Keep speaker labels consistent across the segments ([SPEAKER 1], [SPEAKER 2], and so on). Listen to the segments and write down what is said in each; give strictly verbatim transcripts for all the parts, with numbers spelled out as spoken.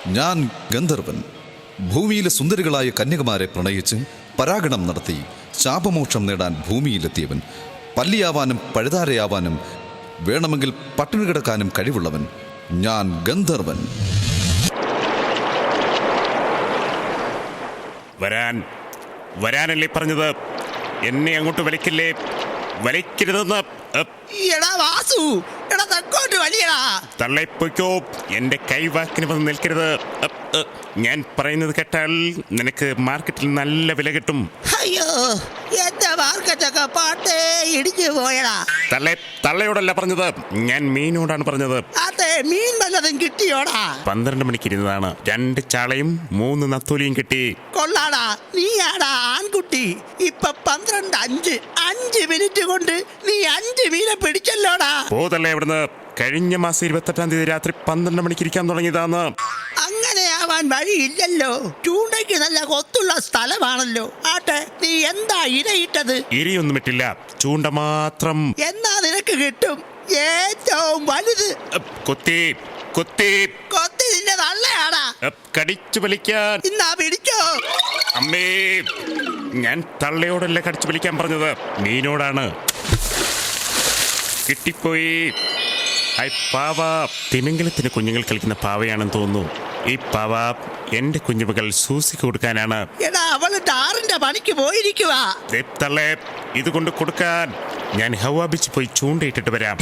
[SPEAKER 1] ഞാൻ ഗന്ധർവൻ. ഭൂമിയിലെ സുന്ദരികളായ കന്യകമാരെ പ്രണയിച്ച് പരാഗണം നടത്തി ശാപമോക്ഷം നേടാൻ ഭൂമിയിലെത്തിയവൻ. പല്ലിയാവാനും പഴുതാരയാവാനും വേണമെങ്കിൽ പട്ടിണി കിടക്കാനും കഴിവുള്ളവൻ. ഞാൻ ഗന്ധർവൻ.
[SPEAKER 2] വരാൻ വരാനല്ലേ പറഞ്ഞത്? എന്നെ അങ്ങോട്ട് വലിക്കില്ലേ? വലിക്കരുതെന്ന്.
[SPEAKER 3] എടാ വാസു, എടാ തെക്കോട്ട് വലിയടാ.
[SPEAKER 2] തള്ളയിപ്പോയ്ക്കോ, എന്റെ കൈവാക്കിന് വന്ന് നിൽക്കരുത്. ഞാൻ പറയുന്നത് കേട്ടാൽ നിനക്ക് മാർക്കറ്റിൽ നല്ല വില കിട്ടും.
[SPEAKER 3] അയ്യോ, എന്റെ മാർക്കറ്റൊക്കെ പാട്ടേ ഇടിഞ്ഞു പോയടാ.
[SPEAKER 2] തള്ളെ തള്ളയോടല്ല പറഞ്ഞത്, ഞാൻ മീനോടാണ് പറഞ്ഞത്.
[SPEAKER 3] അതെ, മീൻ വല്ലതും കിട്ടിയോടാ?
[SPEAKER 2] പന്ത്രണ്ട് മണിക്ക് ഇരുന്നതാണ്. രണ്ട് ചാളയും മൂന്ന് നത്തോലിയും കിട്ടി.
[SPEAKER 3] കൊള്ളാടാ, നീയാടാ ആൺകുട്ടി. ഇപ്പൊ പന്ത്രണ്ട് അഞ്ച് അഞ്ച് മിനിറ്റ് കൊണ്ട് നീ അഞ്ച് മീനെ പിടിച്ചല്ലോടാ.
[SPEAKER 2] പോതല്ലേ ഇവിടുന്ന്. കഴിഞ്ഞ മാസം ഇരുപത്തെട്ടാം തീയതി രാത്രി പന്ത്രണ്ട് മണിക്ക് ഇരിക്കാൻ തുടങ്ങിയതാണ്.
[SPEAKER 3] അങ്ങനെയാവാൻ വഴിയില്ലല്ലോ. ചൂണ്ടയ്ക്ക് നല്ല കൊത്തുള്ള സ്ഥലമാണല്ലോ. ആട്ടെ, നീ എന്താ ഇരയിട്ടത്?
[SPEAKER 2] ഇരിയൊന്നും ഇട്ടില്ല, ചൂണ്ട മാത്രം.
[SPEAKER 3] എന്നാ നിനക്ക് കിട്ടും ഏറ്റവും വലുത്.
[SPEAKER 2] കൊത്തി കൊത്തി
[SPEAKER 3] കൊത്തി നിന്റെ നല്ലയാടാ.
[SPEAKER 2] കടിച്ചു വലിക്കാൻ.
[SPEAKER 3] ഇന്നാ പിടിച്ചോ.
[SPEAKER 2] അമ്മേ, ഞാൻ തള്ളയോടല്ല കടിച്ചു വലിക്കാൻ പറഞ്ഞത്, മീനോടാണ്. കിട്ടിപ്പോയി. ഐ പാവ. തിമിംഗലത്തിന് കുഞ്ഞുങ്ങൾ കളിക്കുന്ന പാവയാണെന്ന് തോന്നുന്നു. ഈ പാവ എന്റെ കുഞ്ഞുമകൾ സൂസിക്ക് കൊടുക്കാനാണ്.
[SPEAKER 3] എടാ, അവള് ടാറിന്റെ പണിക്ക് പോയിരിക്കുവാ.
[SPEAKER 2] തള്ളേ, ഇതുകൊണ്ട് കൊടുക്കാൻ. ഞാൻ ഹവാ ബീച്ച് പോയി ചൂണ്ടയിട്ടിട്ട് വരാം.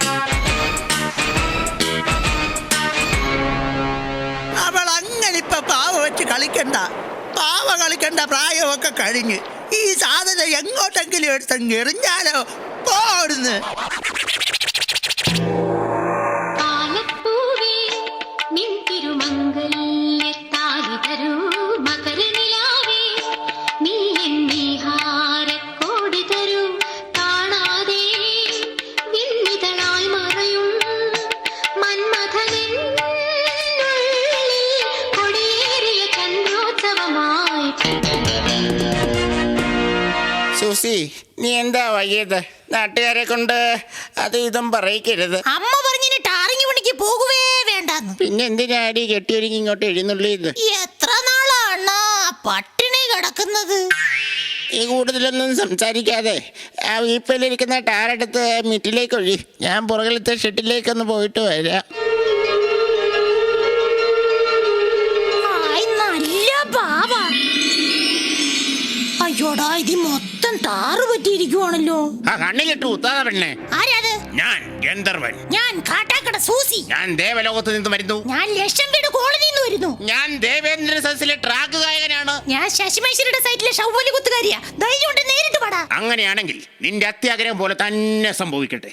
[SPEAKER 3] അവൾ അങ്ങനെ ഇപ്പൊ പാവ വെച്ച് കളിക്കണ്ട. പാവ കളിക്കണ്ട പ്രായമൊക്കെ കഴിഞ്ഞ്. ഈ സാധനം എങ്ങോട്ടെങ്കിലും എടുത്തങ്ങ് എറിഞ്ഞാലോ. പോടുന്ന്.
[SPEAKER 4] സൂസി, നീ എന്താ വൈകിയത്? നാട്ടുകാരെ കൊണ്ട് അത് ഇതും പറയിക്കരുത്.
[SPEAKER 5] അമ്മ പറഞ്ഞിന് ടാറിങ് പണിക്ക് പോകുവേ വേണ്ടെന്ന്.
[SPEAKER 4] പിന്നെ എന്തിനാടി കെട്ടിയൊരുങ്ങി ഇങ്ങോട്ട് എഴുന്നള്ളിയത്?
[SPEAKER 5] എത്ര നാളാണ് പട്ടിണി കിടക്കുന്നത്?
[SPEAKER 4] ഈ കൂടുതലൊന്നും സംസാരിക്കാതെ ആ വീപ്പയിലിരിക്കുന്ന ടാറെടുത്ത് മിറ്റിലേക്ക് ഒഴി. ഞാൻ പുറകിലത്തെ ഷെട്ടിലേക്കൊന്ന് പോയിട്ട് വരാം.
[SPEAKER 5] നല്ല പാവ. അയ്യോടാ, ഇത് മൊത്തം ടാറ് പറ്റിയിരിക്കുവാണല്ലോ.
[SPEAKER 4] ആ കണ്ണിലിട്ട് ഉത്താത പെണ്ണെ.
[SPEAKER 5] ആരാത്?
[SPEAKER 4] ഞാൻ ഗന്ധർവൻ.
[SPEAKER 5] ഞാൻ കാട്ടാക്കട സൂസി.
[SPEAKER 4] ഞാൻ ദേവലോകത്ത് നിന്ന് വരുന്നു.
[SPEAKER 5] ഞാൻ ലക്ഷം വീട് കോളനിയിൽ നിന്ന് വരുന്നു.
[SPEAKER 4] ഞാൻ ദേവേന്ദ്ര സദസ്സിലെ ട്രാക്ക് ഗായകനാണ്.
[SPEAKER 5] ഞാൻ ശശിമേശ്വരിയുടെ സൈറ്റിലെ ഷൗവലി കുത്തുകാരിയാ. ധൈര്യം കൊണ്ട് നേരിട്ട് പാടാ.
[SPEAKER 4] അങ്ങനെയാണെങ്കിൽ നിന്റെ അത്യാഗ്രഹം പോലെ തന്നെ സംഭവിക്കട്ടെ.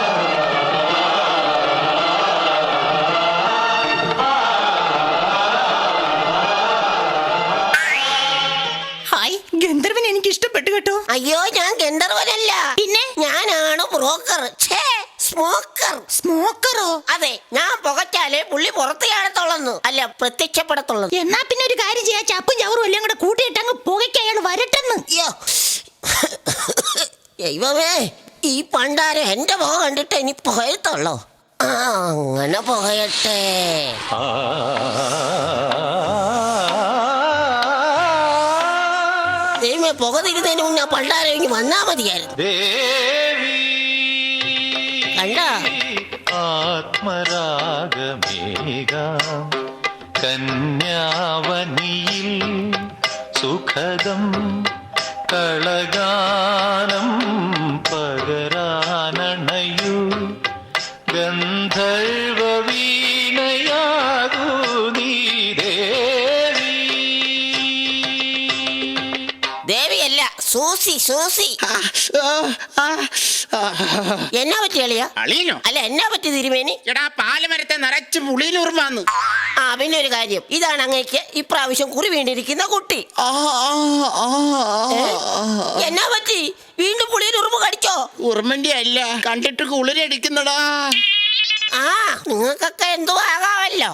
[SPEAKER 5] ഗന്ധർവൻ എനിക്ക് ഇഷ്ടപ്പെട്ടു കേട്ടോ.
[SPEAKER 6] അയ്യോ, ഞാൻ ഗന്ധർവനല്ല.
[SPEAKER 5] പിന്നെ
[SPEAKER 6] ഞാനാണ് ബ്രോക്കർ. സ്മോക്കർ.
[SPEAKER 5] സ്മോക്കറോ?
[SPEAKER 6] അതെ, ഞാൻ പുകച്ചാലേ പുള്ളി പുറത്ത് കാണത്തുള്ളൂ, അല്ല പ്രത്യക്ഷപ്പെടത്തുള്ളൂ.
[SPEAKER 5] എന്നാ പിന്നെ ഒരു കാര്യം ചെയ്യാ, ചപ്പും ചവറും എല്ലാം കൂടെ കൂട്ടിയിട്ട് അങ്ങ് പുകയ്ക്ക് അയാൾ വരട്ടെന്ന്.
[SPEAKER 6] അയ്യോ ദൈവമേ, ഈ പണ്ടാരം എന്റെ പുക കണ്ടിട്ട് ഇനി പുകയത്തുള്ളൂ. ആ, അങ്ങനെ പുകയട്ടെ. ദൈവമേ, പുക തിരുന്നതിന് മുന്നേ പണ്ടാരം ഇനി വന്നാ മതിയായിരുന്നു. കണ്ട
[SPEAKER 7] ആത്മരാഗമേകാം കന്യാവനിയിൽ സുഖദം കളഗാനം പകരാനണയു ഗന്ധർവ വീണയാകൂ നീ ദേവി.
[SPEAKER 6] ദേവിയല്ല, സൂസി. സൂസി എന്നാ പറ്റി അളിയ?
[SPEAKER 4] അളിയനോ?
[SPEAKER 6] അല്ല, എന്നാ പറ്റി തിരുമേനി?
[SPEAKER 4] എടാ, പാലമരത്തെ നിറച്ച് പുളിയിലുറുമാന്ന്.
[SPEAKER 6] ആ, പിന്നെ ഒരു കാര്യം, ഇതാണ് അങ്ങേക്ക് ഇപ്രാവശ്യം കുറി വീണ്ടിരിക്കുന്ന കുട്ടി. എന്നാ പറ്റി? വീണ്ടും പുളിയിൽ ഉറുമ്പ് കടിച്ചോ?
[SPEAKER 4] ഉറുമന്റെ അല്ല, കണ്ടിട്ട് കുളിരടിക്കുന്നടാ.
[SPEAKER 6] ആ, നിങ്ങൾക്കൊക്കെ എന്തോ ആകാമല്ലോ.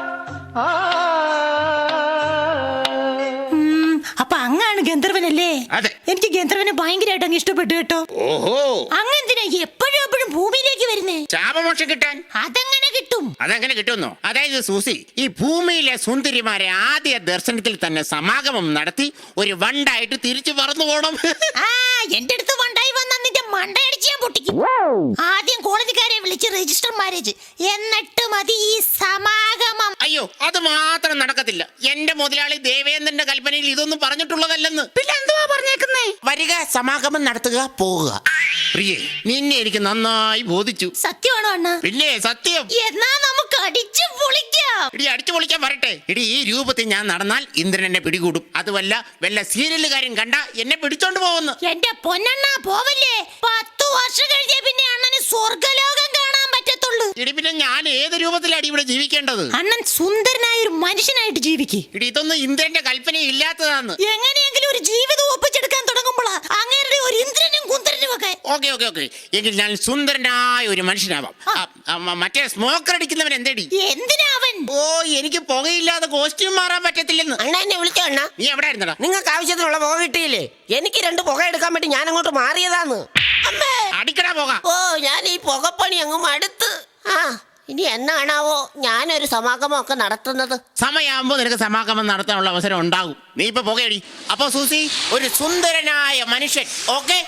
[SPEAKER 5] അപ്പൊ അങ്ങാണ് ഗന്ധർവനല്ലേ?
[SPEAKER 4] അതെ.
[SPEAKER 5] എനിക്ക് ഗന്ധർവനെ ഭയങ്കരമായിട്ട് അങ്ങ് ഇഷ്ടപ്പെട്ടു കേട്ടോ.
[SPEAKER 4] ഓഹോ,
[SPEAKER 5] അങ്ങെന്തിനാ എപ്പോഴും എപ്പോഴും ഭൂമിയിലേക്ക് വരുന്നേ?
[SPEAKER 4] ശാപമോക്ഷം കിട്ടാൻ.
[SPEAKER 5] അതെങ്ങനെ കിട്ടും?
[SPEAKER 4] അതെങ്ങനെ കിട്ടുന്നു? അതായത് സൂസി, ഈ ഭൂമിയിലെ സുന്ദരിമാരെ ആദ്യ ദർശനത്തിൽ തന്നെ സമാഗമം നടത്തി ഒരു വണ്ടായിട്ട് തിരിച്ചു പറന്നു പോണം.
[SPEAKER 5] ആ, എന്റെ അടുത്ത് വണ്ടായി വന്ന നിന്റെ മണ്ടയടിച്ച് ഞാൻ പൊട്ടിക്കും. ആദ്യം കോളേജുകാരെ വിളിച്ച് രജിസ്റ്റർ മാരേജ്, എന്നിട്ട് മതി ഈ സമാഗമം.
[SPEAKER 4] അയ്യോ, അത് മാത്രം നടക്കത്തില്ല. എന്റെ മുതലാളി ദേവേന്ദ്രന്റെ കൽപ്പനയിൽ ഇതൊന്നും പറഞ്ഞിട്ടുള്ളതല്ലെന്ന്.
[SPEAKER 5] പിന്നെ എന്തുവാ പറഞ്ഞേക്കുന്നേ?
[SPEAKER 4] വരിക, സമാഗമം നടത്തുക, പോവുക. പ്രിയേ, നിന്നെ എനിക്ക് നന്നായി ബോധിച്ചു.
[SPEAKER 5] സത്യമാണോ അണ്ണ?
[SPEAKER 4] പിന്നെ സത്യം.
[SPEAKER 5] എന്നാ നമുക്ക് അടിച്ചു പൊളിക്കാം.
[SPEAKER 4] ഇടി, അടിച്ചു പൊളിക്കാൻ വരട്ടെ. ഇടി, ഈ രൂപത്തിൽ ഞാൻ നടന്നാൽ ഇന്ദ്രൻ എന്നെ പിടികൂടും. അതുമല്ല, വല്ല സീരിയലുകാരും കണ്ട എന്നെ പിടിച്ചോണ്ട് പോകുന്നു.
[SPEAKER 5] എന്റെ പൊന്നണ്ണ പോവല്ലേ. പത്തു വർഷം കഴിഞ്ഞേ പിന്നെ അണ്ണന് സ്വർഗലോകം കാണാൻ പറ്റത്തുള്ളൂ.
[SPEAKER 4] ഇടി, പിന്നെ ഞാൻ ഏത് രൂപത്തിലാണ് ഇവിടെ ജീവിക്കേണ്ടത്?
[SPEAKER 5] അണ്ണൻ സുന്ദരനായ ഒരു മനുഷ്യനായിട്ട് ജീവിക്ക്.
[SPEAKER 4] ഇടി, ഇതൊന്നും ഇന്ദ്രന്റെ കൽപ്പന ഇല്ലാത്തതാന്ന്.
[SPEAKER 5] എങ്ങനെയെങ്കിലും ഒരു ജീവിതം ഒപ്പിച്ചെടുക്കാൻ തുടങ്ങുമ്പോഴാ അങ്ങനെ ഒരു ഇന്ദ്രനും കുന്തരനും ഒക്കെ.
[SPEAKER 4] ഓക്കെ ഓക്കെ ഓക്കെ എങ്കിൽ ഞാൻ സുന്ദരനായ ഒരു മനുഷ്യനാവാം. ആ, ആ, മറ്റേ സ്മോക്കർ അടിക്കുന്നവൻ എന്തേടി?
[SPEAKER 5] എന്തിനാ അവൻ?
[SPEAKER 4] ഓ, എനിക്ക് പുകയില്ലാതെ കോസ്റ്റ്യൂം മാറാൻ പറ്റത്തില്ലെന്ന്.
[SPEAKER 6] അണ്ണ എന്നെ വിളിച്ചോ അണ്ണ?
[SPEAKER 4] നീ എവിടെ ആയിരുന്നടാ?
[SPEAKER 6] നിങ്ങൾക്ക് ആവശ്യത്തിനുള്ള പുക കിട്ടിയില്ലേ? എനിക്ക് രണ്ട് പുക എടുക്കാൻ വേണ്ടി ഞാൻ അങ്ങോട്ട് മാറിയതാന്ന്. അമ്മേ,
[SPEAKER 4] അടിക്കടാ പോക.
[SPEAKER 6] ഓ, ഞാൻ ഈ പുകപ്പണി അങ്ങ് മടുത്ത്. ആ, ഇനി എന്നാണാവോ ഞാനൊരു സമാഗമൊക്കെ നടത്തുന്നത്?
[SPEAKER 4] സമയമാകുമ്പോ നിനക്ക് സമാഗമം നടത്താനുള്ള അവസരം ഉണ്ടാകും. നീ ഇപ്പൊ പുകയടി. അപ്പൊ സൂസി, ഒരു സുന്ദരനായ മനുഷ്യൻ. ഓക്കെ,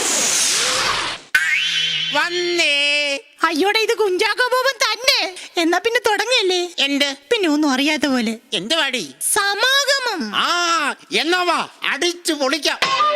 [SPEAKER 4] വന്നേ.
[SPEAKER 5] അയ്യോടെ, ഇത് കുഞ്ചാക്കോ ബോബൻ തന്നെ. എന്നാ പിന്നെ തുടങ്ങല്ലേ?
[SPEAKER 4] എന്ത്?
[SPEAKER 5] പിന്നെ ഒന്നും അറിയാത്ത പോലെ.
[SPEAKER 4] എന്ത് പാടി?
[SPEAKER 5] സമാഗമം.
[SPEAKER 4] ആ, എന്നാ വാ, അടിച്ചു പൊളിക്കാം.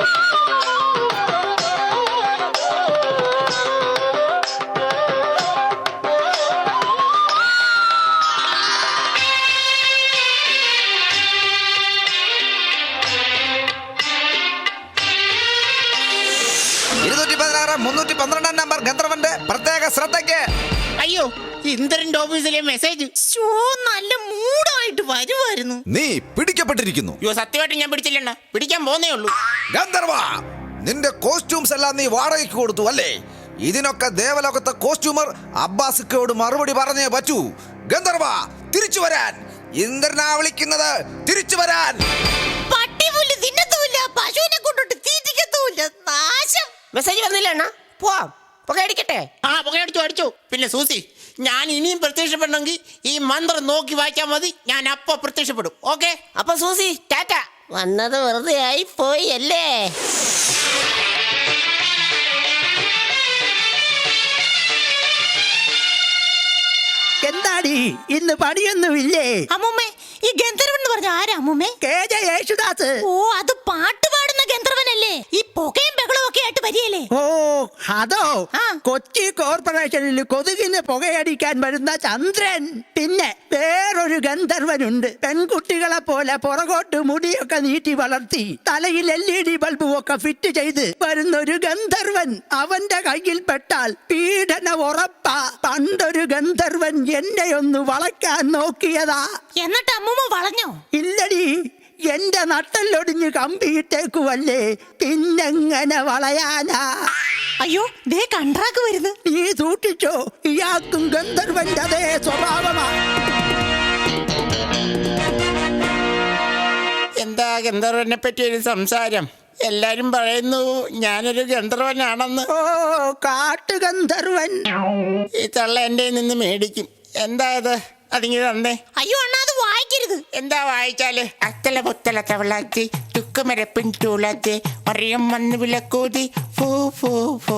[SPEAKER 8] ഇരുന്നൂറ്റി പതിനാറ് മുന്നൂറ്റി പന്ത്രണ്ടാം നമ്പർ ഗന്ധർവന്റെ പ്രത്യേക ശ്രദ്ധയ്ക്ക്.
[SPEAKER 4] അയ്യോ, ഇന്ദ്രന്റെ ഓഫീസിലെ മെസ്സേജ്.
[SPEAKER 5] ശോ, നല്ല മൂടായിട്ട് വരുമായിരുന്നു.
[SPEAKER 1] നീ പിടിക്കപ്പെട്ടിരിക്കുന്നു.
[SPEAKER 4] അയ്യോ, സത്യമായിട്ട് ഞാൻ പിടിച്ചില്ലണ്ണ. പിടിക്കാൻ പോന്നേ ഉള്ളൂ.
[SPEAKER 8] ഗന്ധർവ, നിന്റെ കോസ്റ്റ്യൂംസ് എല്ലാം നീ വാടകയ്ക്ക് കൊടുത്തു അല്ലേ? ഇതിനൊക്കെ ദേവലോകത്തെ കോസ്റ്റ്യൂമർ അബ്ബാസിക്കോട് മറുപടി പറഞ്ഞേ പറ്റൂ. ഗന്ധർവ, തിരിച്ചു വരാൻ. ഇന്ദ്രനാ വിളിക്കുന്നത്, തിരിച്ചു വരാൻ.
[SPEAKER 5] പട്ടിപുല്ല് തിന്നത്തുമില്ല, പശുവിനെ കൊണ്ടിട്ട് തീറ്റിക്കത്തുമില്ല. നാശം.
[SPEAKER 6] മെസ്സേജ് വന്നില്ല അണ്ണ? പോവാം, പുക അടിക്കട്ടെ.
[SPEAKER 4] ആ, പുകയടിച്ചു അടിച്ചു. പിന്നെ സൂസി, ഞാൻ ഇനിയും പ്രത്യക്ഷപ്പെടണമെങ്കിൽ ഈ മന്ത്രം നോക്കി വായിച്ചാൽ മതി. ഞാൻ അപ്പൊ പ്രത്യക്ഷപ്പെടും. ഓക്കെ?
[SPEAKER 6] അപ്പൊ സൂസി, ടാറ്റ. വന്നത് വെറുതെ ആയി പോയി അല്ലേ?
[SPEAKER 3] എന്താടി ഇന്ന് പണിയൊന്നുമില്ലേ?
[SPEAKER 5] അമ്മൂമ്മേ, ഈ ഗന്ധർവൻ എന്ന് പറഞ്ഞ ആരാ അമ്മൂമ്മേ?
[SPEAKER 3] K J Yesudas.
[SPEAKER 5] ഓ, അത് പാട്ട് പാടുന്ന ഗന്ധർവനല്ലേ? ഈ പുകയും ബഹളവും ഒക്കെ ആയിട്ട് വരികയല്ലേ?
[SPEAKER 3] ഓ, അതോ?
[SPEAKER 5] ആ.
[SPEAKER 3] കൊച്ചി കോർപ്പറേഷനിൽ കൊതുകിന് പുകയടിക്കാൻ വരുന്ന ചന്ദ്രൻ. പിന്നെ വേറൊരു ഗന്ധർവനുണ്ട്. പെൺകുട്ടികളെ പോലെ പുറകോട്ട് മുടിയൊക്കെ നീട്ടി വളർത്തി തലയിൽ എൽ ഇ ഡി ബൾബും ഒക്കെ ഫിറ്റ് ചെയ്ത് വരുന്നൊരു ഗന്ധർവൻ. അവന്റെ കയ്യിൽ പെട്ടാൽ പീഡന ഉറപ്പാ. പണ്ടൊരു ഗന്ധർവൻ എന്നെ ഒന്ന് വളയ്ക്കാൻ നോക്കിയതാ.
[SPEAKER 5] എന്നിട്ട് അമ്മൂമ്മ വളഞ്ഞോ?
[SPEAKER 3] ഇല്ലടി, എന്റെ നട്ടല്ലൊടിഞ്ഞ് കമ്പിയിട്ടേക്കുവല്ലേ, പിന്നെങ്ങനെ വളയാനാ?
[SPEAKER 5] അയ്യോ, ദേ കണ്ട്രാക്ക് വരുന്നു.
[SPEAKER 3] നീ സൂക്ഷിച്ചോ, ഇയാൾക്കും ഗന്ധർവന്റെ അതേ സ്വഭാവമാ.
[SPEAKER 4] എന്താ ഗന്ധർവനെ പറ്റി ഒരു സംസാരം? എല്ലാരും പറയുന്നു ഞാനൊരു ഗന്ധർവനാണെന്ന്.
[SPEAKER 3] ഓ, കാട്ടുഗന്ധർവൻ.
[SPEAKER 4] ഈ തള്ള എന്റെ നിന്ന് മേടിക്കും. എന്താ ഇത്? അതിങ്ങനെ തന്നേ.
[SPEAKER 5] അയ്യോ അണ്ണാ, അത് വായിക്കരുത്.
[SPEAKER 4] എന്താ വായിച്ചാല്? അത്തല പൊത്തല തവളാത്തി തുക്കമരപ്പിൻ തൂളാത്തി അറിയം വന്ന് വിലക്കൂതി ഫൂ ഫൂ ഫൂ.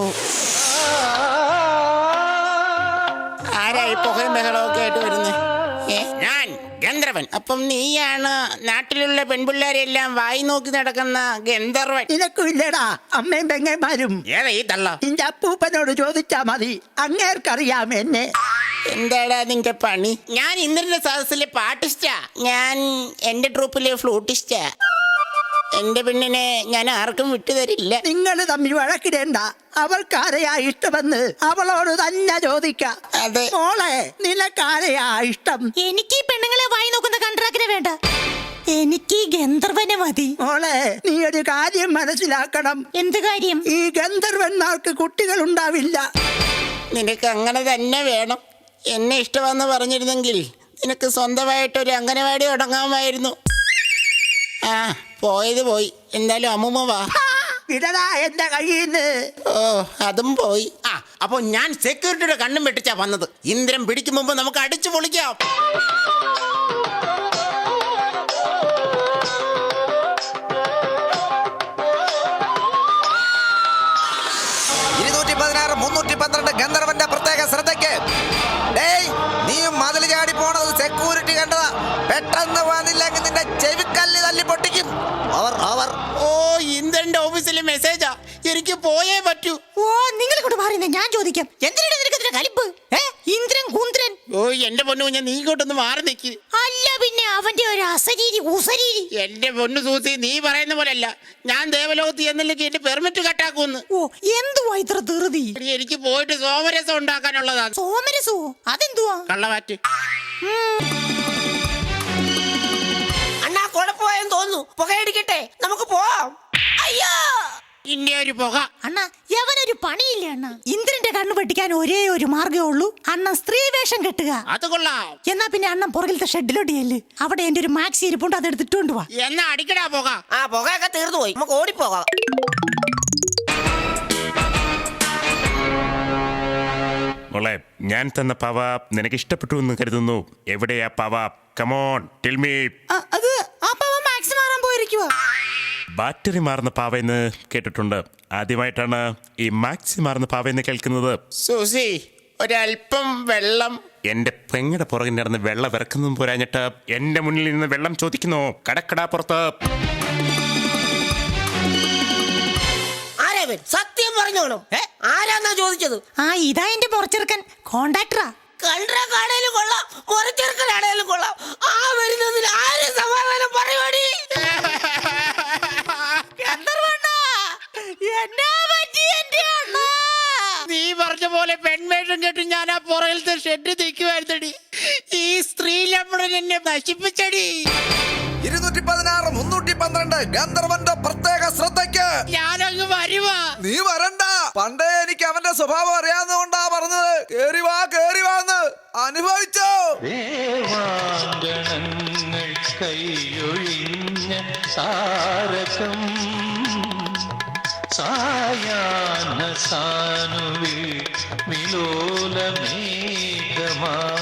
[SPEAKER 4] ആരായി പുകയും ബഹളമൊക്കെ ആയിട്ട് വരുന്നേ? ഏ, ഞാൻ ഗന്ധർവൻ. അപ്പം നീയാണ് നാട്ടിലുള്ള പെൺപിള്ളേരെല്ലാം വായി നോക്കി നടക്കുന്ന ഗന്ധർവൻ.
[SPEAKER 3] നിനക്കും ഇല്ലടാ അമ്മയും പെങ്ങന്മാരും?
[SPEAKER 4] ഏതാ ഈ തള്ള?
[SPEAKER 3] നിന്റെ അപ്പൂപ്പനോട് ചോദിച്ചാ മതി, അങ്ങേർക്കറിയാം എന്നെ.
[SPEAKER 4] എന്താടാ നിന്റെ പണി? ഞാൻ ഇന്ദ്രന്റെ സദസ്സിലെ പാട്ടിസ്റ്റാ. ഞാൻ എന്റെ ട്രൂപ്പിലെ ഫ്ലൂട്ടിസ്റ്റാ. എന്റെ പെണ്ണിനെ ഞാൻ ആർക്കും വിട്ടുതരില്ല.
[SPEAKER 3] നിങ്ങൾ തമ്മിൽ വഴക്കിടേണ്ട. അവൾക്കാരെയാ ഇഷ്ടമെന്ന് അവളോട് തന്നെ ചോദിക്കാം.
[SPEAKER 4] അതെ.
[SPEAKER 3] മോളെ, നിനക്കാരെയാ ഇഷ്ടം?
[SPEAKER 5] എനിക്ക് ഈ പെണ്ണുങ്ങളെ വായി നോക്കുന്ന കണ്ട്രാക്കിനെ വേണ്ട, എനിക്ക് ഈ ഗന്ധർവനെ മതി.
[SPEAKER 3] മോളെ, നീ ഒരു കാര്യം മനസ്സിലാക്കണം.
[SPEAKER 5] എന്ത് കാര്യം?
[SPEAKER 3] ഈ ഗന്ധർവന്മാർക്ക് കുട്ടികൾ ഉണ്ടാവില്ല.
[SPEAKER 4] നിനക്ക് അങ്ങനെ തന്നെ വേണം. എന്നെ ഇഷ്ടമെന്ന് പറഞ്ഞിരുന്നെങ്കിൽ നിനക്ക് സ്വന്തമായിട്ടൊരു അംഗനവാടി തുടങ്ങാമായിരുന്നു. ആ, പോയത് പോയി. എന്തായാലും അമ്മൂമ്മ വാ.
[SPEAKER 3] വിടടാ എന്റെ കയ്യിന്ന്.
[SPEAKER 4] ഓ അതും പോയി. ആ അപ്പൊ ഞാൻ സെക്യൂരിറ്റിയുടെ കണ്ണും വെട്ടിച്ചാ വന്നത്. ഇന്ദ്രൻ പിടിക്കും മുമ്പ് നമുക്ക് അടിച്ചു പൊളിക്കാം.
[SPEAKER 8] ഇരുന്നൂറ്റി പതിനാറ് മുന്നൂറ്റി പന്ത്രണ്ട് ഗന്ധർവന്റെ പ്രത്യേക ശ്രദ്ധയ്ക്ക്. ഡേയ്, നീ മതിൽ ചാടി പോണത് സെക്യൂരിറ്റി കണ്ടതാ. പെട്ടെന്ന് വന്നില്ലെങ്കിൽ നിന്റെ ചെവിക്കല്ല് തല്ലി പൊട്ടിക്കും. Over over.
[SPEAKER 4] ഓ ഇന്ദ്രന്റെ ഓഫീസിലെ മെസ്സേജാ. എനിക്ക് പോയേ പറ്റൂ.
[SPEAKER 5] ഓ നിങ്ങൾ കൊണ്ട് പറയുന്നത് ഞാൻ ചോദിക്കാം. എന്തിനാണ് നിനക്ക് ഇതിന്റെ കലിപ്പ്? ഏ ഇന്ദ്രൻ കുന്ദ്രൻ.
[SPEAKER 4] ഓ എന്റെ പൊന്നു ഞാൻ നീ ഇങ്ങോട്ടൊന്ന് മാറി നിൽക്കി.
[SPEAKER 5] അല്ല പിന്നെ അവന്റെ ഒരു അസരീരി ഉസരീരി.
[SPEAKER 4] എന്റെ പൊന്നു സൂസി, നീ പറയുന്ന പോലല്ല. ഞാൻ ദേവലോകത്ത് എന്നില്ലെങ്കിൽ എന്റെ പെർമിറ്റ് കട്ടാക്കൂന്ന്.
[SPEAKER 5] ഓ എന്തുവാ ഇത്ര ധൃതി?
[SPEAKER 4] എടി, എനിക്ക് പോയിട്ട് സോമരസം ഉണ്ടാക്കാനുള്ളതാണ്.
[SPEAKER 5] സോമരസോ? അതെന്തുവാ?
[SPEAKER 4] കള്ളവാറ്റ്.
[SPEAKER 6] അണ്ണാ കുഴപ്പമായെന്ന് തോന്നുന്നു. പുകയടിക്കട്ടെ, നമുക്ക് പോവാം. അയ്യോ,
[SPEAKER 4] ഇന്നെ ഒരു പുക.
[SPEAKER 5] അണ്ണ യവനൊരു പണിയില്ല അണ്ണ. ഇന്ദ്രന്റെ കണ്ണു വെട്ടിക്കാൻ ഒരേ ഒരു മാർഗ്ഗമേ ഉള്ളൂ. അണ്ണ സ്ത്രീ വേഷം കെട്ടുക.
[SPEAKER 4] അത് കൊള്ളാം.
[SPEAKER 5] എന്നാ പിന്നെ അണ്ണൻ പുറകിലത്തെ ഷെഡിലോട്ട് ചെല്ല്. അവിടെ എന്റെ ഒരു മാക്സി ഇരിപ്പുണ്ട്, അത് എടുത്തിട്ടുണ്ട് വാ.
[SPEAKER 4] എന്നാ അടിക്കടാ പുക.
[SPEAKER 6] ആ പുകയൊക്കെ തീർന്നു പോയി. നമുക്ക് ഓടിപ്പോകാം.
[SPEAKER 2] മോളെ, ഞാൻ തന്ന പവ നിനക്ക് ഇഷ്ടപ്പെട്ടു എന്ന് കരുതുന്നു. എവിടെയാ പവ? Come on tell me.
[SPEAKER 5] അത് ആ പവ മാക്സി മാറാൻ പോയിരിക്കുവാ.
[SPEAKER 2] ബാറ്ററി മാറുന്ന പാവയെന്ന് കേട്ടിട്ടുണ്ട്. ആദ്യമായിട്ടാണ് ഈ മാക്സി മാറുന്ന പാവയെന്ന് കേൾക്കുന്നത്.
[SPEAKER 4] സൂസി, ഒരല്പം വെള്ളം.
[SPEAKER 2] എന്റെ പെങ്ങടെ പുറകിൽ നടന്ന് വെള്ളം ഇറക്കുന്നതും പോരാഞ്ഞിട്ട് എന്റെ മുന്നിൽ നിന്ന് വെള്ളം ചോദിക്കുന്നു. കടക്കടാ പുറത്ത്.
[SPEAKER 6] ആരവൻ സത്യം പറഞ്ഞോണം. ആരാന്നാ ചോദിച്ചത്?
[SPEAKER 5] ആ ഇതാ എന്റെ പുറച്ചെറുക്കൻ, കോണ്ടാക്ടറാ.
[SPEAKER 6] കണ്ട കടയിലും കൊള്ളാം, മുറച്ചെറുക്കനാണേലും കൊള്ളാം. ആ വരുന്നതിൽ ആരും സമാധാനം പറയുവാടി.
[SPEAKER 4] നീ പറഞ്ഞ പോലെ പെൺവേഷം കേട്ട് ഞാൻ ആ പുറകിലത്തെ ഷെഡ് നിൽക്കുവായിരുന്നടി. ഈ സ്ത്രീ ലംബടൻ എന്നെ നശിപ്പിച്ചടി.
[SPEAKER 8] ഇരുന്നൂറ്റി പതിനാറ് മുന്നൂറ്റി പന്ത്രണ്ട് ഗന്ധർവന്റെ പ്രത്യേക ശ്രദ്ധയ്ക്ക്.
[SPEAKER 4] ഞാനങ്ങ് വരുവാ.
[SPEAKER 8] നീ വരണ്ട. പണ്ടേ എനിക്ക് അവന്റെ സ്വഭാവം അറിയാവുന്നതുകൊണ്ടാ പറഞ്ഞത്. കേറി വാ, കേറി വാന്ന് അനുഭവിച്ചോ.
[SPEAKER 7] ദേവാങ്കണങ്ങൾ കൈയൊഴിഞ്ഞ താരകം സായാഹ്ന സാനുവിൽ വിലോല മേഘമാ